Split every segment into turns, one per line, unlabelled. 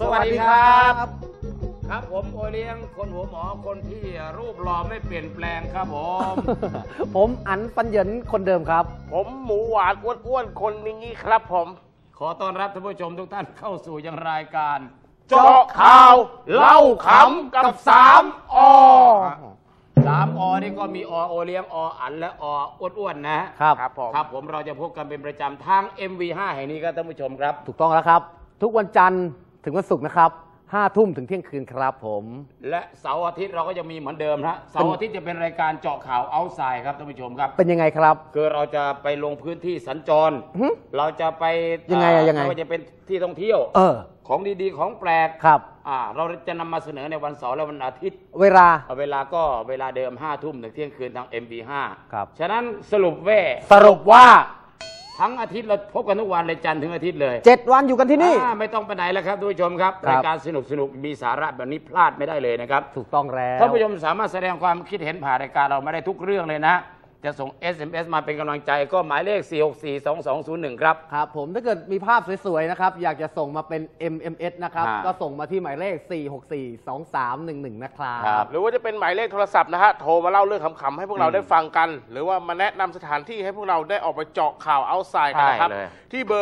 วัสดีครับครับผมโอเลี้ยงคนหัวหมอคนที่รูปหล่อไม่เปลี่ยนแปลงครับผม
ผมอันปัญญนคนเดิมครับ
ผมหมูหวานอ้วนๆคนนี้ครับผม
ขอต้อนรับท่านผู้ชมทุกท่านเข้าสู่ยังรายการ
เจาะข่าวเล่าขำกับ3 อ
3 อนี่ก็มีโอเลี้ยงอันและอ้วนๆนะครับผมเราจะพบกันเป็นประจำทาง MV5 แห่งนี้ครับท่านผู้ชมครับ
ถูกต้องแล้วครับทุกวันจันทร์ถึงวันศุกร์นะครับ5 ทุ่มถึงเที่ยงคืนครับผม
และเสาร์อาทิตย์เราก็จะมีเหมือนเดิมนะเสาร์อาทิตย์จะเป็นรายการเจาะข่าวเอาท์ไซด์ครับท่านผู้ชมครับ
เป็นยังไงครับ
คือเราจะไปลงพื้นที่สัญจรเราจะไป
ยังไง
ว่าจะเป็นที่ท่องเที่ยวของดีๆของแปลก
ครับ
เราจะนำมาเสนอในวันเสาร์และวันอาทิตย์
เวลา
ก็เวลาเดิม5 ทุ่มถึงเที่ยงคืนทาง MV5
ครับ
ฉะนั้นสรุป
ว่า
ทั้งอาทิตย์เราพบกันทุกวันเลยจันทร์ถึงอาทิตย์เลย
7 วันอยู่กันที่นี่
ไม่ต้องไปไหนแล้วครับทุกผู้ชมครับรายการสนุกมีสาระแบบนี้พลาดไม่ได้เลยนะครับ
ถูกต้องแล้ว
ท่านผู้ชมสามารถแสดงความคิดเห็นผ่านรายการเราไม่ได้ทุกเรื่องเลยนะจะส่ง SMS มาเป็นกำลังใจก็หมายเลข 4642201 ครับ
ครับผมถ้าเกิดมีภาพสวยๆนะครับอยากจะส่งมาเป็น MMS นะครับก็ส่งมาที่หมายเลข 4642311 นะครับ
หรือว่าจะเป็นหมายเลขโทรศัพท์นะฮะโทรมาเล่าเรื่องขำๆให้พวกเราได้ฟังกันหรือว่ามาแนะนำสถานที่ให้พวกเราได้ออกไปเจาะข่าวเอาท์ไซด์กันนะครับที่เบอร์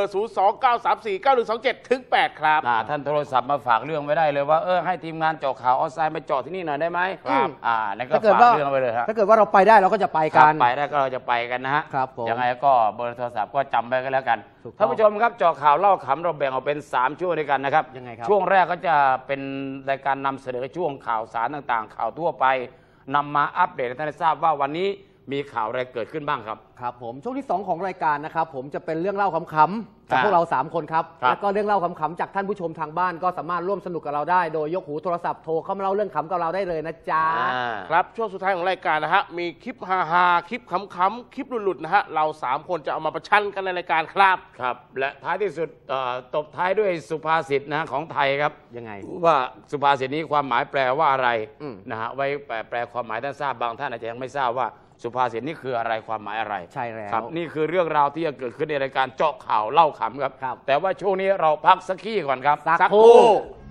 029349127-8 ครับ
ท่านโทรศัพท์มาฝากเรื่องไว้ได้เลยว่าให้ทีมงานเจาะข่าวเอาท์ไซด์มาเจาะที่นี่หน่อยได้ไหม
ครับ
นั่นก็ฝากเรื่องไว้เลยครับ
ถ้าเกิดว่าเราไปได้เราก็จะไปกัน
ไปได้ก็เราจะไปกันนะฮะ
ครับผม
ยังไงก็เบอร์โทรศัพท์ก็จำไว้กันแล้วกันท่านผู้ชมครับเจาะข่าวเล่าขำเราแบ่งออกเป็น3 ช่วงด้วยกันนะครับ
ยังไงครับ
ช่วงแรกก็จะเป็นรายการนำเสนอช่วงข่าวสารต่างๆข่าวทั่วไปนำมาอัปเดตให้ท่านได้ทราบว่าวันนี้มีข่าวอะไรเกิดขึ้นบ้างครับ
ครับผมช่วงที่2ของรายการนะครับผมจะเป็นเรื่องเล่าขำๆจากพวกเรา3 คนครับแล้วก็เรื่องเล่าขำๆจากท่านผู้ชมทางบ้านก็สามารถร่วมสนุกกับเราได้โดยยกหูโทรศัพท์โทรเข้ามาเล่าเรื่องขำกับเราได้เลยนะจ๊ะ
ครับช่วงสุดท้ายของรายการนะฮะมีคลิปฮาๆคลิปขำๆคลิปหลุดๆนะฮะเรา3 คนจะเอามาประชันกันในรายการ
ครับและท้ายที่สุดตบท้ายด้วยสุภาษิตนะของไทยครับ
ยังไง
ว่าสุภาษิตนี้ความหมายแปลว่าอะไรนะฮะไว้แปลความหมายท่านทราบบางท่านอาจจะยังไม่ทราบว่าสุภาษิตนี่คืออะไรความหมายอะไร
ใช่แล้ว
ครับนี่คือเรื่องราวที่จะเกิดขึ้นในรายการเจาะข่าวเล่าขำครับแต่ว่าช่วงนี้เราพักสักขี้ก่อนครับ
สักครู่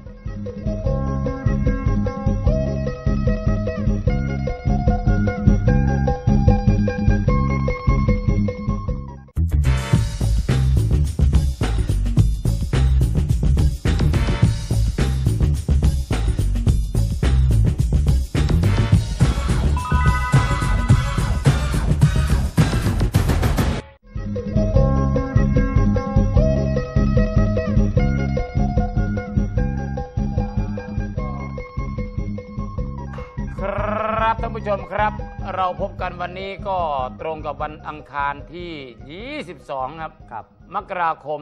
ท่านผู้ชมครับเราพบกันวันนี้ก็ตรงกับวันอังคารที่ 22 ครับมกราคม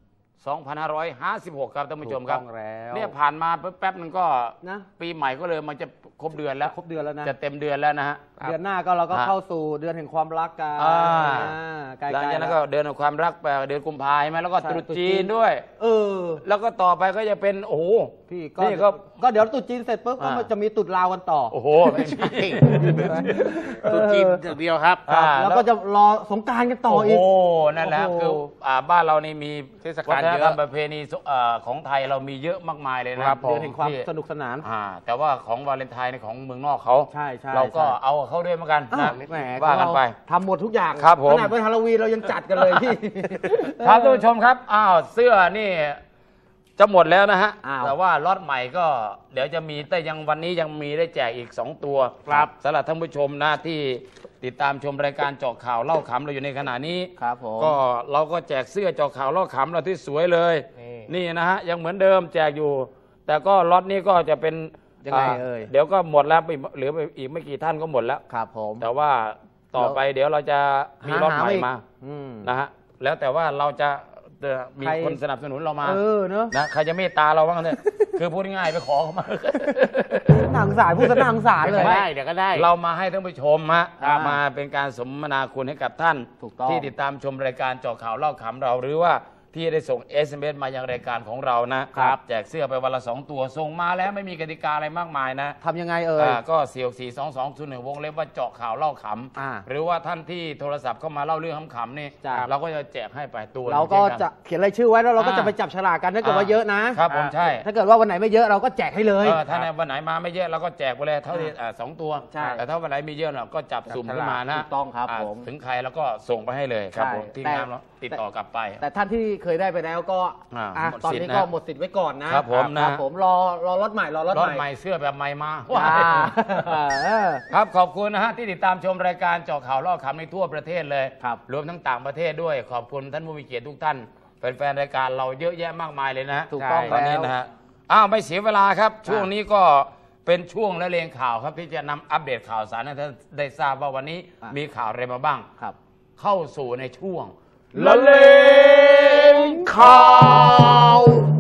2556 ครับท่านผู้ชมครับเนี่ยผ่านมาแป๊บนึงก็นะปีใหม่ก็เลยมันจะครบเดือนแล้ว
นะ
จะเต็มเดือนแล้วนะฮะ
เดือนหน้าก็เราก็เข้าสู่เดือนแห่งความรักกัน
หลังจากนั้นก็เดือนแห่งความรักไปเดือนกุมภาพันธ์ใช่ไหมแล้วก็ตรุษจีนด้วยแล้วก็ต่อไปก็จะเป็นโอ้โห
พี่ก็เดี๋ยวตรุษจีนเสร็จปุ๊บก็จะมีตรุษลาวกันต่อ
โอ้โหไม่ใช่
ตรุษจีนอย่างเดียวครับ
แล้วก็จะรอสงกรานต์กันต่ออีก
โอ้นั่นแหละคือบ้านเรานี่มีเทศกาลเยอะประเพณีของไทยเรามีเยอะมากมายเลยนะครับ
เดือนแห่งความสนุกสนาน
แต่ว่าของวาเลนไทน์ของเมืองนอกเขา
ใช่
เราก็เอาเขาด้วยเหมือนกันนะ
ว่า
กันไป
ทำหมดทุกอย่าง
ครับผม
ขนาดเป็นฮาโลวีนเรายังจัดกันเลยพี่
ครับท่านผู้ชมครับเสื้อนี่จะหมดแล้วนะฮะแต่ว่าล็อตใหม่ก็เดี๋ยวจะมีแต่ยังวันนี้ยังมีได้แจกอีก2 ตัว
ครับ
สำหรับท่านผู้ชมนะที่ติดตามชมรายการเจาะข่าวเล่าขำเราอยู่ในขณะนี้
ครับผม
ก็เราก็แจกเสื้อเจาะข่าวเล่าขำเราที่สวยเลยนี่นะฮะยังเหมือนเดิมแจกอยู่แต่ก็ล็อตนี้ก็จะเป็น
ยังไง
เดี๋ยวก็หมดแล้วเหลืออีกไม่กี่ท่านก็หมดแล้ว
ครับผม
แต่ว่าต่อไปเดี๋ยวเราจะมีล็อตใหม่มานะฮะแล้วแต่ว่าเราจะมีคนสนับสนุนเรามา
เนอะ
นะใครจะเมตตาเราบ้างเนี่ยคือพูดง่ายไปขอเขามา
หนังสายพูดซะหนังสารเลย
ได้เดี๋ยวก็ได้
เรามาให้ท่านผู้ชมมาเป็นการสมนาคุณให้กับท่านที่ติดตามชมรายการเจาะข่าวเล่าขำเราหรือว่าที่ได้ส่ง SMS มายังรายการของเรานะครับแจกเสื้อไปวันละ2ตัวส่งมาแล้วไม่มีกติกาอะไรมากมายนะ
ทำยังไง
ก็4642201วงเล็บว่าเจาะข่าวเล่าขำหรือว่าท่านที่โทรศัพท์เข้ามาเล่าเรื่องขำๆนี่เราก็จะแจกให้ไปตัว
เราก็จะเขียนรายชื่อไว้แล้วเราก็จะไปจับฉลากกันถ้าเกิดว่าเยอะนะครับ
ผมใช่
ถ้าเกิดว่าวันไหนไม่เยอะเราก็แจกให้เลย
ถ้าในวันไหนมาไม่เยอะเราก็แจกไปเลยเท่าที่2ตัวแต่ถ้าวันไหนมีเยอะเราก็จับสุ่มขึ้นมานะ
ต้องครับผม
ถึงใครแล้วก็ส่งไปให้เลยครับผมที่งานติดต่อกลับไป
แต่ท่านที่เคยได้ไปแล้วก็ตอนนี้ก็หมดสิทธิ์ไว้ก่อนนะครับผมรอรถใหม่รถ
ใหม่เสื้อแบบใหม่มาครับขอบคุณนะฮะที่ติดตามชมรายการเจาะข่าวเล่าขำในทั่วประเทศเลยรวมทั้งต่างประเทศด้วยขอบคุณท่านผู้มีเกียรติทุกท่านแฟนๆรายการเราเยอะแยะมากมายเลยนะ
ถูกต้อง
ตอนนี้นะฮะไม่เสียเวลาครับช่วงนี้ก็เป็นช่วงละเลงข่าวครับที่จะนำอัปเดตข่าวสารให้ท่านได้ทราบว่าวันนี้มีข่าวอะไรมาบ้างเข้าสู่ในช่วง
ละเลงข่าว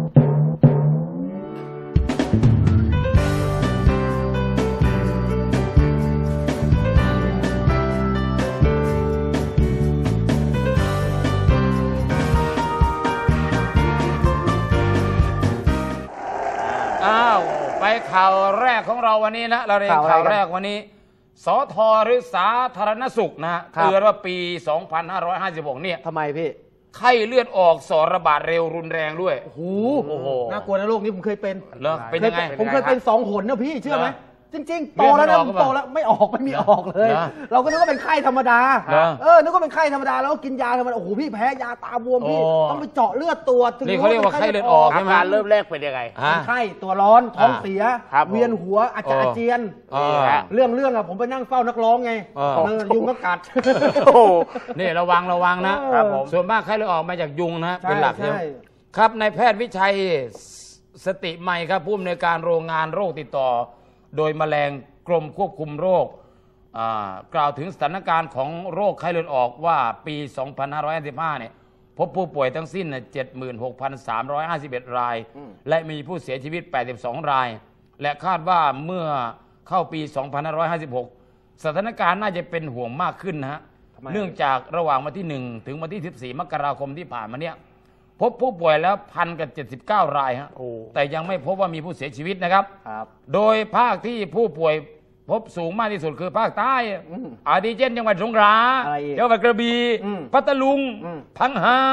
ไปข่าวแรกของเราวันนี้นะเราเรียนข่าวแรกวันนี้สทหรือสาธารณสุขนะเตือนว่าปี 2556 เนี่ย
ทำไมพี่
ไข้เลือดออกสอระบาดเร็วรุนแรงด้วย
โอ้โหน่ากลัวนะโรคนี้ผมเคยเป็น
เป็นยังไง
ผมเคยเป็น2 หนนะพี่เชื่อไหมจริงๆโตแล้วนะโตแล้วไม่มีออกเลยเราก็นึกว่าเป็นไข้ธรรมดานึกว่าเป็นไข้ธรรมดาแล้วก็กินยาธรรมดาโอ้โหพี่แพ้ยาตาบวมพี่ต้องไปเจาะเลือดตัว
นี่เขาเรียกว่าไข้เลือดออก
อาการเริ่มแรกเป็นยังไง
ไข้ตัวร้อนท้องเสียเวียนหัวอาจจะอาเจียนเรื่องอะผมไปนั่งเฝ้านักร้องไงยุงก็กัด
นี่ระวังนะส่วนมากไข้เลือดออกมาจากยุงนะเป็นหลักครับนายแพทย์วิชัยสติใหม่ครับผู้อำนวยการโรงงานโรคติดต่อโดยแมลงกรมควบคุมโรคกล่าวถึงสถานการณ์ของโรคไข้เลือดออกว่าปี 2555 เนี่ยพบผู้ป่วยทั้งสิ้น 76,351 รายและมีผู้เสียชีวิต 82 รายและคาดว่าเมื่อเข้าปี 2556 สถานการณ์น่าจะเป็นห่วงมากขึ้นนะฮะเนื่องจากระหว่างวันที่ 1 ถึงวันที่ 14 มกราคมที่ผ่านมาเนี่ยพบผู้ป่วยแล้ว1,079 รายฮะแต่ยังไม่พบว่ามีผู้เสียชีวิตนะครับโดยภาคที่ผู้ป่วยพบสูงมากที่สุดคือภาคใต้อาทิเช่นจังหวัดสงขลาจังหวัดกระบี่พัทลุงพังงา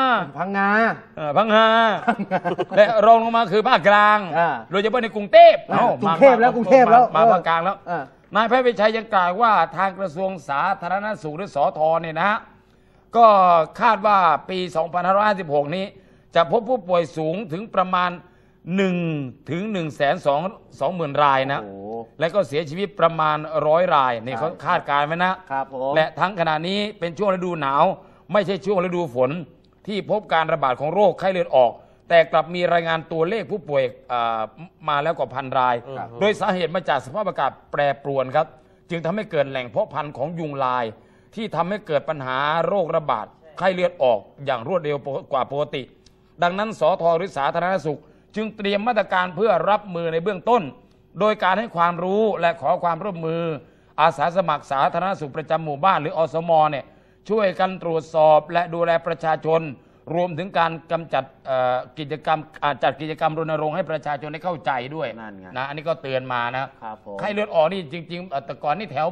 และรองลงมาคือภาคกลางโดยเฉพาะในกรุงเทพ
แล้ว
มาภาคกลางแล้วนายแพทย์วิชัยยังกล่าวว่าทางกระทรวงสาธารณสุขหรือสธเนี่ยนะฮะก็คาดว่าปี 2556 นี้จะพบผู้ป่วยสูงถึงประมาณ1 ถึง 120,000 รายนะและก็เสียชีวิตประมาณ100 รายนี่เขาคาดการณ์ไว้นะครับและทั้งขณะนี้เป็นช่วงฤดูหนาวไม่ใช่ช่วงฤดูฝนที่พบการระบาดของโรคไข้เลือดออกแต่กลับมีรายงานตัวเลขผู้ป่วยมาแล้วกว่า1,000 รายโดยสาเหตุมาจากสภาพอากาศแปรปรวนครับจึงทำให้เกิดแหล่งเพาะพันธุ์ของยุงลายที่ทำให้เกิดปัญหาโรคระบาดไข้เลือดออกอย่างรวดเร็วกว่าปกติดังนั้นสธหรือสาธารณสุขจึงเตรียมมาตรการเพื่อรับมือในเบื้องต้นโดยการให้ความรู้และขอความร่วมมืออาสาสมัครสาธารณสุขประจำหมู่บ้านหรืออสมเนี่ยช่วยกันตรวจสอบและดูแลประชาชนรวมถึงการกำจัดจัดกิจกรรมรณรงค์ให้ประชาชนได้เข้าใจด้วยนะอันนี้ก็เตือนมานะไข้เลือดออกนี่จริงๆแต่ก่อนนี่แถว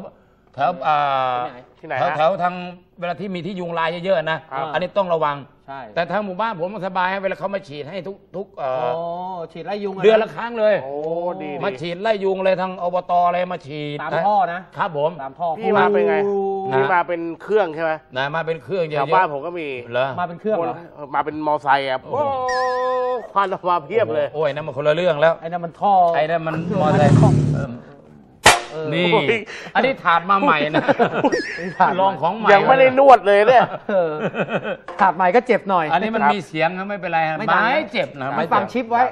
ทางเวลาที่มีที่ยุงลายเยอะๆนะอันนี้ต้องระวังแต่ทางหมู่บ้านผมสบายเวลาเขามาฉีดให้ทุก
ฉีดไล่ยุง
เดือนละครั้งเลยมาฉีดไล่ยุงเลยทางอบตอะไรมาฉีด
ตามท่อนะครับ
ผม
ตามท่อ
พี่มาเป็นไงพี่มาเป็นเครื่องใช่ไหม
มาเป็นเครื่องเยอะ
ชาวบ้านผมก็มี
เหรอ
มาเป็นเครื่องเหรอ
มาเป็นมอไซค์อ่ะโอ้ควันออกมาเพียบเลย
โอ้ยนั่นมันคนละเรื่องแล้ว
ไอ้นั่นมันท่อ
ไอ้นั่นมันมอไซค์นี่อันนี้ถาดมาใหม่นะลองของใหม่
ยังไม่ได้นวดเลยเนี่ย
ถาดใหม่ก็เจ็บหน่อย
อันนี้มันมีเสียงนะไม่เป็นไรไม่เจ็บนะ
ไม่ฟังชิปไว้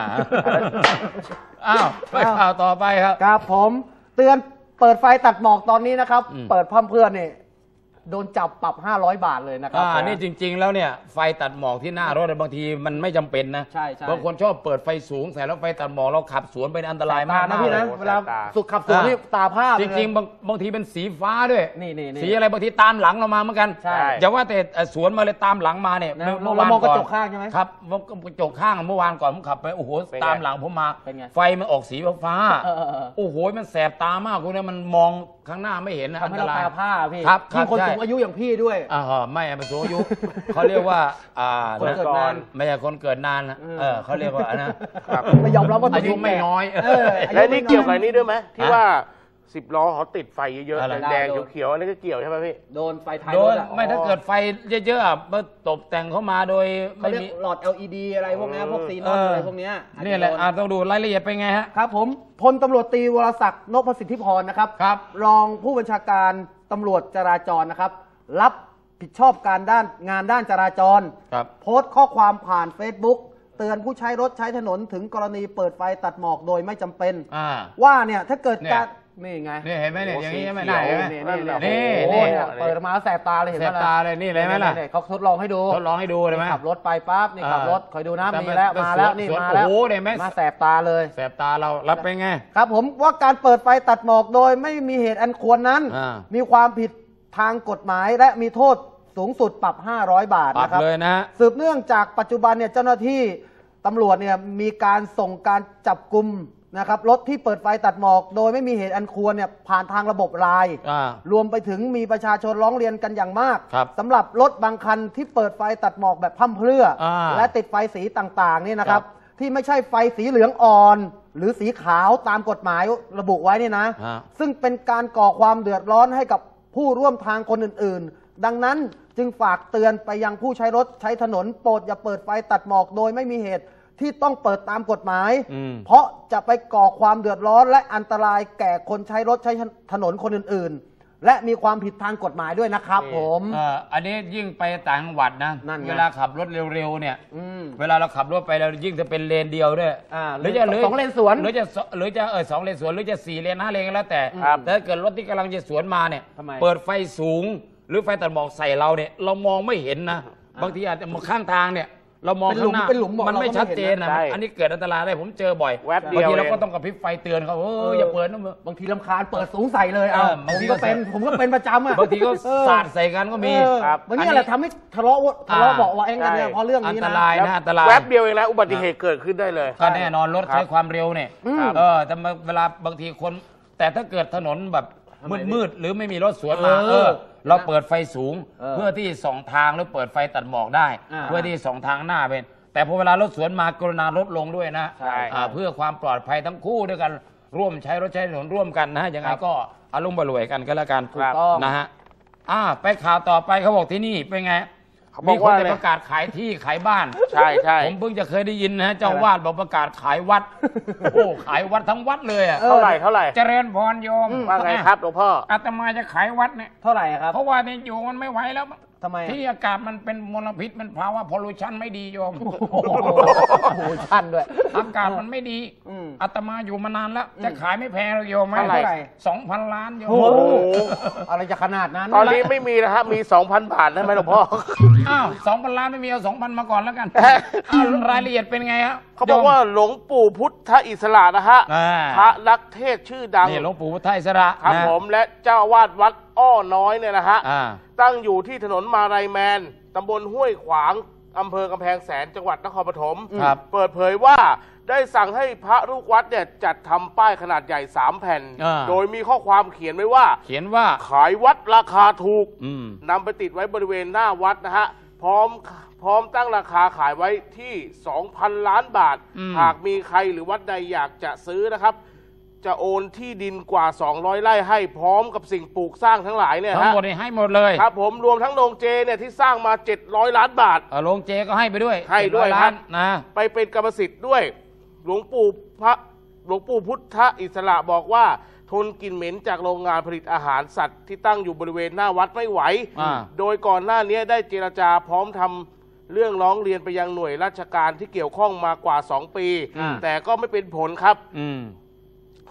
ไปข่าวต่อไปครับ
ครับผมเตือนเปิดไฟตัดหมอกตอนนี้นะครับเปิดพร่ำเพื่อนนี่โดนจับปรับ500 บาทเลยนะครับ
นี่จริงๆแล้วเนี่ยไฟตัดหมอกที่หน้ารถบางทีมันไม่จำเป็นนะ
ใช่บ
างคนชอบเปิดไฟสูงใส่แล้วไฟตัดหมอกเราขับสวนเป็นอันตรายมาก
นะพี่นะ
โอ้โห
เวลา
ตา
สุดขับสวนนี่ตาผ้า
จริงๆบางทีเป็นสีฟ้าด้วย
นี่
สีอะไรบางทีตามหลังเรามาเหมือนกัน
ใช่
อย่าว่าแต่สวนมาเลยตามหลังมาเนี่ย
เรามองกระจกข้างใช่ไหม
ครับกระจกข้างเมื่อวานก่อนผมขับไปโอ้โห
เป็นไง
ตามหลังผมมา
เป็นไง
ไฟมันออกสีฟ้าโอ้โหมันแสบตามากคุณเนี่ยมันมองข้างหน้าไม่เห็นนะ
ทำ
อัน
ให้
ต
เรา
ราย
ตาผ้าพี่
ครับ
ยิ่งคน
ใช่
สูงอายุอย่างพี่ด้วย
ไม่เป็นสูงอายุเขาเรียกว่า
คนเกิดนาน
ไม่ใช่คนเกิดนานนะเขาเรียกว่านะ
ไม่ยอมรับว่า
อายุไม่น้อย
และนี่เกี่ยวกับนี้ด้วยไหมที่ว่า10 ล้อเขาติดไฟเยอะ
อะไร
ๆแดงๆเขียวๆอันนี้ก็เกี่ยวใช่ไหมพี่
โดนไฟท้าย
โด
ร
น
ถอะ
ไม่ถ้าเกิดไฟเยอะๆมาตกแต่งเข้ามาโดย
เขา
ไม่
เรียก
มี
หลอด LED อะไรพวกนี้พวกซีนอนอะไรพวกเนี้ย
นี่แหละต้องดูรายละเอียดเป็นไงฮะ
ครับผมพลตำรวจตรีวรศักดิ์นพสิทธิพรนะครับ
ครับ
รองผู้บัญชาการตำรวจจราจรนะครับ รับผิดชอบการงานด้านจราจร
ครับ
โพสต์ข้อความผ่าน Facebook เตือนผู้ใช้รถใช้ถนนถึงกรณีเปิดไฟตัดหมอกโดยไม่จำเป็น ว่าเนี่ยถ้าเกิดการนี่ไง
นี่เห็นไหมเนี่ยอย่างนี้ใช่ไหม
โอ้
ได้
โห
เห็นไหม
นี่
นี่นี่
เปิดมาแสบตาเลยเห็น
แส
ไหม
บตาเลยนี่เลยไหมล่ะ
เขาทดลองให้ดู
ทดลองให้ดูเลยไหม
ขับรถไปปั๊บนี่ขับรถคอยดูนะ
แต่
มีแล้ว
เป็น
มาแล้ว
สวน
นี่
สวน
มาแล้ว
โอ้โหเนี่ยแม่
มาแสบตาเลย
แสบตาเรารับเป็นไง
ครับผมว่าการเปิดไฟตัดหมอกโดยไม่มีเหตุอันควรนั้น มีความผิดทางกฎหมายและมีโทษสูงสุดปรับ500 บาท
ปรับ
นะครับ
เลยนะ
สืบเนื่องจากปัจจุบันเนี่ยเจ้าหน้าที่ตำรวจเนี่ยมีการส่งการจับกลุ่มนะครับรถที่เปิดไฟตัดหมอกโดยไม่มีเหตุอันควรเนี่ยผ่านทางระบบไลน์รวมไปถึงมีประชาชนร้องเรียนกันอย่างมาก
ครับ
สำหรับรถบางคันที่เปิดไฟตัดหมอกแบบพร่ำเพรื่อ และติดไฟสีต่างๆเนี่ยนะครับ ที่ไม่ใช่ไฟสีเหลืองอ่อน หรือสีขาวตามกฎหมายระบุไว้เนี่ยนะ ซึ่งเป็นการก่อความเดือดร้อนให้กับผู้ร่วมทางคนอื่นๆ ดังนั้นจึงฝากเตือนไปยังผู้ใช้รถใช้ถนนโปรดอย่าเปิดไฟตัดหมอกโดยไม่มีเหตุที่ต้องเปิดตามกฎหมาย เพราะจะไปก่อความเดือดร้อนและอันตรายแก่คนใช้รถใช้ถนนคนอื่นๆ และมีความผิดทางกฎหมายด้วยนะครับผม
อันนี้ยิ่งไปต่างจังหวัดนะ
นั่นไง
เวลาขับรถเร็วๆเนี่ยเวลาเราขับรถไปเรายิ่งจะเป็นเลนเดียวด้วย
หรือจะสองเลนสวน
หรือจะสองเลนสวนหรือจะ4 เลน5 เลนก็แล้วแต่
ครับ
แต่ถ้าเกิดรถที่กำลังจะสวนมาเนี่ย
ทำไม
เปิดไฟสูงหรือไฟตัดหมอกใส่เราเนี่ยเรามองไม่เห็นนะบางทีอาจจะมองข้างทางเนี่ยเรามองข้างหน้า
เป็นหลุมบอก
มันไม่
เราก็ไม่
ชัดเจนนะ
เห็นนะใช่
อันนี้เกิดอันตรายได้ผมเจอบ่อย
แวบเดียว
บางทีเรา
เอง
ก็ต้องกระพริบไฟเตือนเขาอย่าเปิดนะมึง
บางทีลำคาญเปิดสูงใส่เลยเอา
บาง
ผม
ที
ก็
ก็
เป็นประจำอ่ะ
บางทีก็สาดใส่กันก็มี
ครับ
วันนี้แหละทำให้ทะเลาะเบาะแว้งกันเนี่ยเพราะเรื่อง
อัน
นี้
ต
นะ
รายนะอันตราย
แวบเดียวเองนะอุบัติเหตุเกิดขึ้นได้เลย
ก็แน่นอนรถ
ครับ
ใช้ความเร็วเนี่ย
ครับ
แต่เวลาบางทีคน แต่ถ้าเกิดถนนแบบมืดๆหรือไม่มีรถสวนมา เราเปิดไฟสูง เพื่อที่ส่องทางหรือเปิดไฟตัดหมอกได้ เพื่อที่ส่องทางหน้าเป็นแต่พอเวลารถสวนมากรุณาลดลงด้วยนะ
ใช่
เพื่อความปลอดภัยทั้งคู่ด้วยกันร่วมใช้รถใช้ถนนร่วมกันนะยังไงก็อารมณ์บรวยกันก็แล้วกัน
ถูกต้อง
นะฮะไปข่าวต่อไปเขาบอกที่นี่เป็นไง
เขาบ
มี
อก
คน
ว่า
จะประกาศขายที่ขายบ้าน
ใช่ใช่
ผมเพิ่งจะเคยได้ยินนะเจ้าวาดบอกประกาศขายวัด โอ้ขายวัดทั้งวัดเลยอ่ะ
เท่าไหร่เท่าไหร่
เจริญพรโยม
ว่าไงครับหลวงพ่อ
อาตมาจะขายวัดเนี่ย
เท่าไหร่ครับ
เพราะว่าเนี่ยอยู่มันไม่ไหวแล้ว
ทำไม
ที่อากาศมันเป็นมลพิษมันภาวะพอลูชันไม่ดีโยม
โอ้โหชันด้วย
อากาศมันไม่ดี
อืม
อาตมาอยู่มานานแล้ว จะขายไม่แพงหรอกโยม
เท่าไหร่
2,000 ล้านโยม
โอ้โห
โอ้โห
อะไรจะขนาดนั้น
ตอนนี้ไม่มีนะฮะมี 2,000 บาทได้ไหมหลวงพ่อ
อ้าว2,000 ล้านไม่มีเอา 2,000 มาก่อนแล้วกันรายละเอียดเป็นไงฮะ
เขาบอกว่าหลวงปู่พุทธอิสระนะฮะ
อ่า
พระนักเทศน์ชื่อดัง
นี่หลวงปู่พุทธอิสระ
ครับ
นะ
ผมและเจ้าอาวาดวัดอ้อน้อยเนี่ยนะฮะ
อ่า
ตั้งอยู่ที่ถนนมาลัยแมน ตำบลห้วยขวาง อำเภอกำแพงแสน จังหวัดนครปฐม
ครับ
เปิดเผยว่าได้สั่งให้พระลูกวัดเนี่ยจัดทำป้ายขนาดใหญ่ 3 แผ่น โดยมีข้อความเขียนไว้ว่า
เขียนว่า
ขายวัดราคาถูก
อืม
นำไปติดไว้บริเวณหน้าวัดนะฮะ พร้อมตั้งราคาขายไว้ที่ 2,000 ล้านบาท หากมีใครหรือวัดใดอยากจะซื้อนะครับ จะโอนที่ดินกว่า 200 ไร่ให้พร้อมกับสิ่งปลูกสร้างทั้งหลายเนี่ย
ทั้ง
ฮะ
หมดนี่ให้หมดเลย
ครับผมรวมทั้งโรงเจเนี่ยที่สร้างมา 700 ล้านบาท
โรงเจก็ให้ไปด้วย
ให้ด้วย
700
ครั
ล้า
บ
นนะ
ไปเป็นกรรมสิทธิ์ด้วย หลวงปู่พุทธอิสระบอกว่า ทนกลิ่นเหม็นจากโรงงานผลิตอาหารสัตว์ที่ตั้งอยู่บริเวณหน้าวัดไม่ไหว โดยก่อนหน้านี้ได้เจรจาพร้อมทำเรื่องร้องเรียนไปยังหน่วยราชการที่เกี่ยวข้องมากว่า 2 ปี แต่ก็ไม่เป็นผลครับ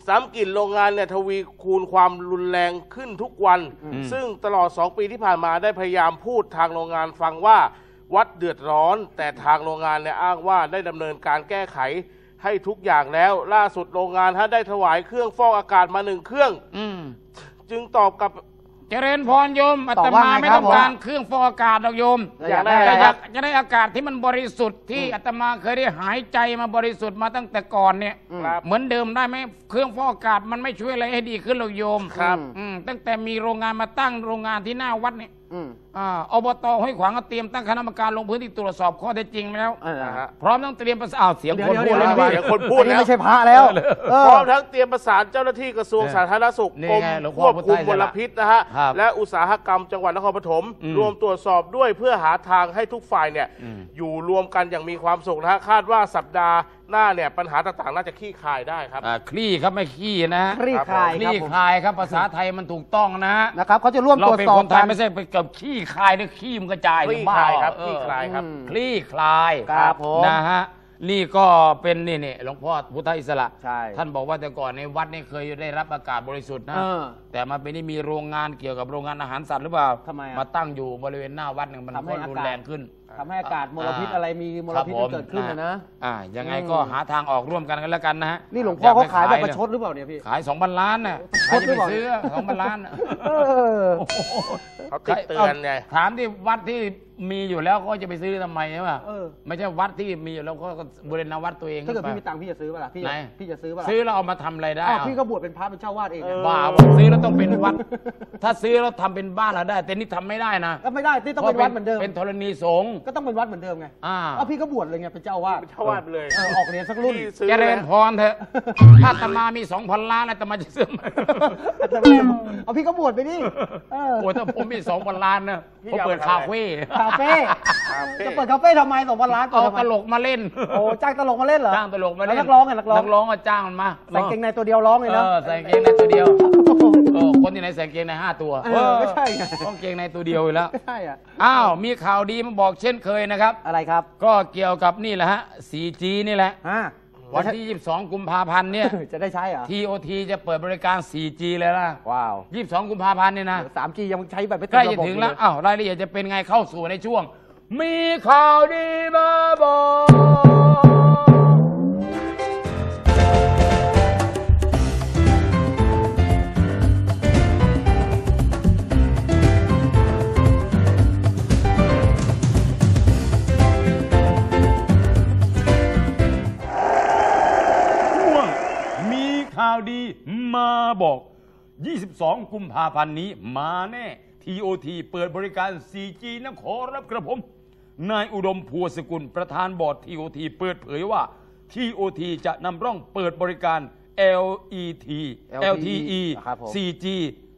ซ้ำกลิ่นโรงงานเนี่ยทวีคูณความรุนแรงขึ้นทุกวัน ซึ่งตลอด2 ปีที่ผ่านมาได้พยายามพูดทางโรงงานฟังว่าวัดเดือดร้อน แต่ทางโรงงานเนี่ยอ้างว่าได้ดำเนินการแก้ไขให้ทุกอย่างแล้วล่าสุดโรงงานได้ถวายเครื่องฟอกอากาศมา1 เครื่องจึงตอบกับ
เจริญพรโยมอาตมาไม่ต้องการเครื่องฟอกอากาศหรอกโยมอยากได้อากาศที่มันบริสุทธิ์ที่อาตมาเคยได้หายใจมาบริสุทธิ์มาตั้งแต่ก่อนเนี่ยเหมือนเดิมได้ไหมเครื่องฟอกอากาศมันไม่ช่วยอะไรให้ดีขึ้นหรอกโยม
ครับ
ตั้งแต่มีโรงงานมาตั้งโรงงานที่หน้าวัดเนี่ยอบต.ห้วยขวางก็เตรียมตั้งคณะกรรมการลงพื้นที่ตรวจสอบข้อเท็จจริงแล้วพร้อมทั้งเตรียมประสานเสียงคนพูดแล้ว
เสียงคนพูดแล้ว
ไม่ใช่พระแล้ว
พร้อมทั้งเตรียมประสานเจ้าหน้าที่กระทรวงสาธารณสุขกรมควบคุมมลพิษนะฮะและอุตสาหกรรมจังหวัดนครปฐมรวมตรวจสอบด้วยเพื่อหาทางให้ทุกฝ่ายเนี่ยอยู่รวมกันอย่างมีความสุขนะฮะคาดว่าสัปดาห์หน้าเนี่ยปัญหาต่างๆน่าจะคลี่คลายได้ครับ
คลี่ครับไม่ขี้นะ
คลี่คลาย
ครับภาษาไทยมันถูกต้อง
นะครับเขาจะร่วมตรวจสอบ
เราเป็นคนไทยไม่ใช่ไปกับขี้คลายหรือขี้มันกระจาย
คลี่คลายครับคลี่คลายครับ
คลี่คลาย
ครับผม
นะฮะนี่ก็เป็นนี่หลวงพ่อพุทธอิสระ
ใช่
ท่านบอกว่าแต่ก่อนในวัดนี่เคยได้รับอากาศบริสุทธิ์นะแต่มาเป็นนี่มีโรงงานเกี่ยวกับโรงงานอาหารสัตว์หรือเปล่า
ทำไม
มาตั้งอยู่บริเวณหน้าวัดเนี่ยมันก็รุนแรงขึ้น
ทำให้อากาศมลพิษอะไรมีมลพิษเกิดขึ้นนะ
ยังไงก็หาทางออกร่วมกันแล้วกันนะฮะ
นี่หลวงพ่อเขาขายแบบประชดหรือเปล่าเนี่ยพี่
ขาย2,000 ล้านน่ะใครจะไปซื้อ2,000 ล้าน
เขาติดเตือนไง
ถามที่วัดที่มีอยู่แล้วก็จะไปซื้อทำไมใช่ป่ะไม่ใช่วัดที่มีอยู่แล้วก็บริเวณวัดตัวเอง
ถ้าเกิดพี่มีตังค์พี่จะซื้อป่ะล่ะพี่จะซื้อป่ะล่ะ
ซื้อแล้วเอามาทำอะไรได้
พี่ก็บวชเป็นพระเป็นเจ้าวาดเอง
บ้าซื้อแล้วต้องเป็นวัดถ้าซื้อแล้วทำเป็นบ้านเราได้แต่นี่ทำไม่ได้นะ
ก็ไม่ได้ที่ต้องเป็นวัดเหมือนเดิม
เป็นธรณีสงฆ์
ก็ต้องเป็นวัดเหมือนเดิมไงพี่ก็บวชเลยไงเป็นเจ้าวาด
ไปเลย
ออกเรียนสักรุ่น
เจริญพรเถอะถ้าอาตมามี 2,000 ล้านอาตมาจะซื้อ
เอาพี่ก็บวชไปดิ
โอ้ถ้าผมมี 2,000 ล้านนะผมเปิดคาเฟ่
จะเปิดคาเฟ่ทำไม2,000 ล้าน
เอาตลกมาเล่น
โอ้จ้างตลกมาเล่นเหรอ
จ้างตลกมาเล่น
นักร้อง
ก็จ้างมันมา
ใส่เกงในตัวเดียวร้องเลยนะ
ใส่เกงในตัวเดียวคนที่ไหนใส่เกงใน5 ตัว
ไม่ใช่ไง
ต้องเกงในตัวเดียวอยู่แล้ว
ใช่อ่ะ
มีข่าวดีมาบอกเช่นเคยนะครับ
อะไรครับ
ก็เกี่ยวกับนี่แหละฮะ 4G นี่แหละวันที่22 กุมภาพันธ์เนี่ย
จะได้ใช้เหรอ
TOT จะเปิดบริการ 4G เลยนะ
ว้าว
22 กุมภาพันธ์เนี่ยนะ
3G ยังใช้แบบไม่
ใกล้จะถึงแล้วรายละเอียดจะเป็นไงเข้าสู่ในช่วงมีข่าวดีมาบอกข่าวดีมาบอก 22 กุมภาพันธ์นี้มาแน่ TOT เปิดบริการ 4G นะขอรับกระผมนายอุดมพัวสกุลประธานบอร์ด TOT เปิดเผยว่า TOT จะนำร่องเปิดบริการ LTE 4G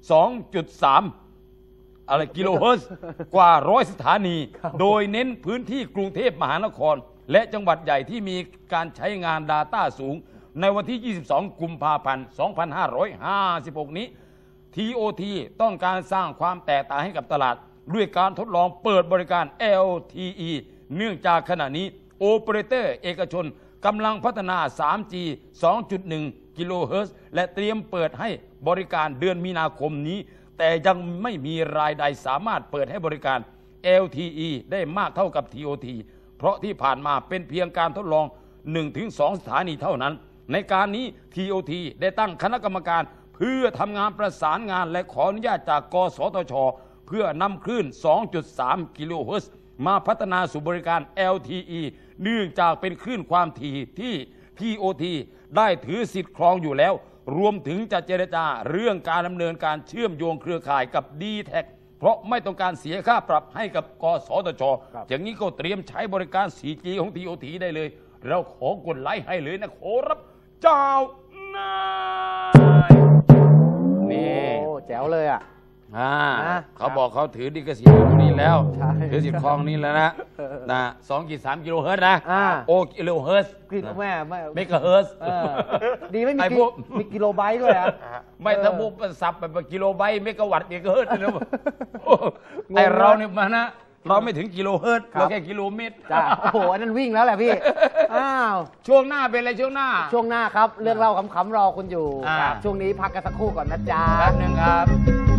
2.3 กิโลเฮิรตซ์กว่า100 สถานีโดยเน้นพื้นที่กรุงเทพมหานครและจังหวัดใหญ่ที่มีการใช้งาน Data สูงในวันที่ 22 กุมภาพันธ์ 2556 นี้ TOT ต้องการสร้างความแตกต่างให้กับตลาดด้วยการทดลองเปิดบริการ LTE เนื่องจากขณะนี้โอเปอเรเตอร์เอกชนกำลังพัฒนา 3G 2.1 กิโลเฮิรตซ์และเตรียมเปิดให้บริการเดือนมีนาคมนี้แต่ยังไม่มีรายใดสามารถเปิดให้บริการ LTE ได้มากเท่ากับ TOT เพราะที่ผ่านมาเป็นเพียงการทดลอง 1-2 สถานีเท่านั้นในการนี้ TOT ได้ตั้งคณะกรรมการเพื่อทำงานประสานงานและขออนุญาตจากกสทช.เพื่อนำคลื่น 2.3 กิโลเฮิรตซ์มาพัฒนาสู่บริการ LTE เนื่องจากเป็นคลื่นความถี่ที่ TOT ได้ถือสิทธิ์ครองอยู่แล้วรวมถึงจะเจรจาเรื่องการดำเนินการเชื่อมโยงเครือข่ายกับ D-Tech เพราะไม่ต้องการเสียค่าปรับให้กับกสทช.อย่างนี้ก็เตรียมใช้บริการ 4G ของ TOT ได้เลยเราขอกดไลค์ให้เลยนะขอรับเจ้านายนี่
แจ๋วเลยอ่ะ
เขาบอกเขาถือดิกสิทธิ์ตรงนี้แล้วถือสิทธิ์คลองนี้แล้วนะ2.3 กิโลเฮิรตซ์นะกิโลเฮิรตซ์
แม่
เมกะเฮิรตซ์
ดีไม่มีกิโลไบต์ด้วยอ่ะ
ไม่ถ้าพวกสับแบบกิโลไบต์เมกะวัตต์เมกะเฮิรตซ์นะไอเราเนี่ยมานะเราไม่ถึงกิโลเฮิรตซ์เราแค่กิโลเมตร
จ้าโอ้โหอันนั้นวิ่งแล้วแหละพี่อ้าว
ช่วงหน้าเป็นอะไรช่วงหน้า
ช่วงหน้าครับเรื่องเล่าขำๆรอคุณอยู่
อ่า
ช่วงนี้พักกันสักครู่ก่อนนะจ๊ะ
แป๊บหนึงครับ